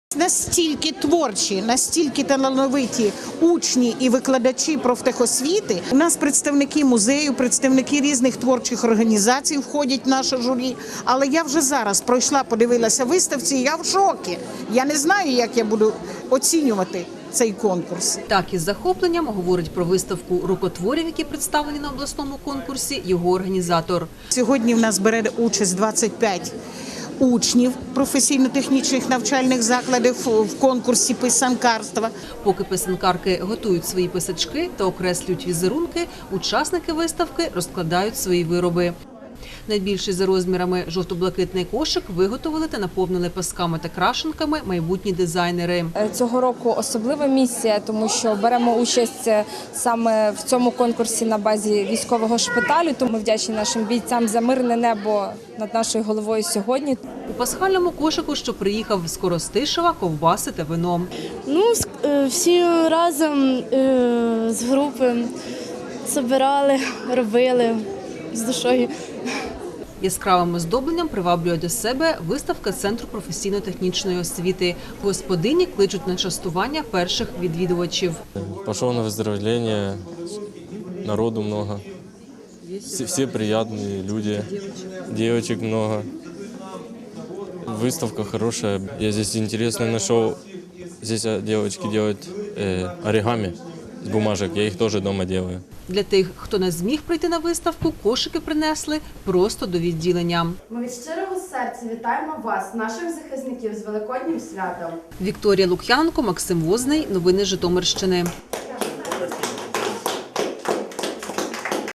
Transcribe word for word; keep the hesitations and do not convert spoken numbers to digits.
Настільки творчі, настільки талановиті учні і викладачі профтехосвіти. У нас представники музею, представники різних творчих організацій входять в наше журі. Але я вже зараз пройшла, подивилася виставці, і я в шокі. Я не знаю, як я буду оцінювати цей конкурс. Так із захопленням говорить про виставку рукотворів, які представлені на обласному конкурсі, його організатор. Сьогодні в нас бере участь двадцять п'ять учнів професійно-технічних навчальних закладів в конкурсі писанкарства. Поки писанкарки готують свої писачки та окреслюють візерунки, учасники виставки розкладають свої вироби. Найбільший за розмірами жовто-блакитний кошик виготовили та наповнили пасками та крашенками майбутні дизайнери. Цього року особлива місія, тому що беремо участь саме в цьому конкурсі на базі військового шпиталю. Тому ми вдячні нашим бійцям за мирне небо над нашою головою сьогодні. У пасхальному кошику, що приїхав з Коростишева, ковбаси та вино. Ну, всі разом з групи збирали, робили з душою. Яскравим оздобленням приваблює до себе виставка Центру професійно-технічної освіти. Господині кличуть на частування перших відвідувачів. Пішов на виздоровлення, народу много, всі, всі приємні люди, дівчаток много. Выставка хорошая. Я здесь интересно нашел. Здесь девочки делают э, оригами з бумажок. Я їх теж вдома роблю. Для тих, хто не зміг прийти на виставку, кошики принесли просто до відділення. Ми від щирого серця вітаємо вас, наших захисників, з Великоднім святом. Вікторія Лук'яненко, Максим Возний. Новини Житомирщини.